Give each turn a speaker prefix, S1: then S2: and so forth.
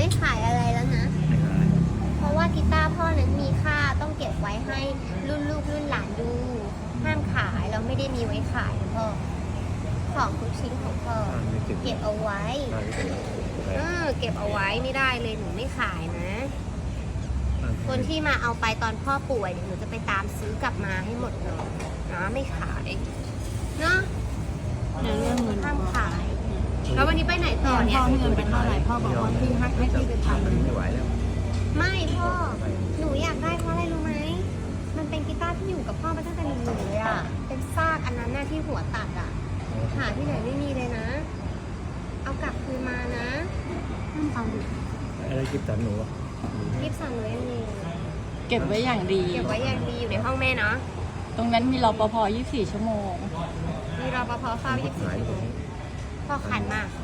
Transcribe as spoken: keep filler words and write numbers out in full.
S1: ไม่ขายอะไรแล้วนะ
S2: ไม่ขาย
S1: เพราะว่ากีตาร์พ่อนั้นมีค่าต้องเก็บไว้ให้รุ่นลูกรุ่นหลานดูห้ามขายเราไม่ได้มีไว้ขายนะพ่อของทุกชิ้นของพ่อ
S2: อ่าไม่เก็บ
S1: เก็บเอาไว้
S2: อ่าไม่เก็บ
S1: เออเก็บเอาไว้ไม่ได้เลยหนูไม่ขายนะ คนที่มาเอาไปตอนพ่อป่วยเดี๋ยวหนูจะไปตามซื้อกลับมาให้หมดเลยนะไม่ขายเนาะ
S3: เดี๋ยวเรื่องเงิน
S1: ห้ามขาย แล้ววันนี้ไปไหนต่อ
S3: พ่
S1: เนี่ย
S3: อให้เงินไปเท่าไหร่พ่อบอกว่าพี่ให้ให้พี่ไปทำ
S2: มันไม่ไหวแล้ว
S1: ไม่พ่อหนูอยากได้เพราะอะไรรู้ไหมมันเป็นกีตาร์ที่อยู่กับพ่อมาตั้งแต่หนุ่มๆเลยอ่ะเป็นซากอันนั้นน่ะที่หัวตัดอ่ะหาที่ไหนไม่มีเลยนะ เอากลับคืนมานะ
S3: ห้ามฟังดิ
S2: อะไรกิบตันหนูอะ
S1: รีบสั่งเลยยังมี
S3: เก็บไว้อย่างดี
S1: เก็บไว้อย่างดีอยู่ในห้องแม่เนาะ
S3: ตรงนั้นมีรปภยี่สิบสี่ชั่วโมง
S1: มีรปภเฝ้ายี่สิบสี่ชั่วโมงพ่อขันมาก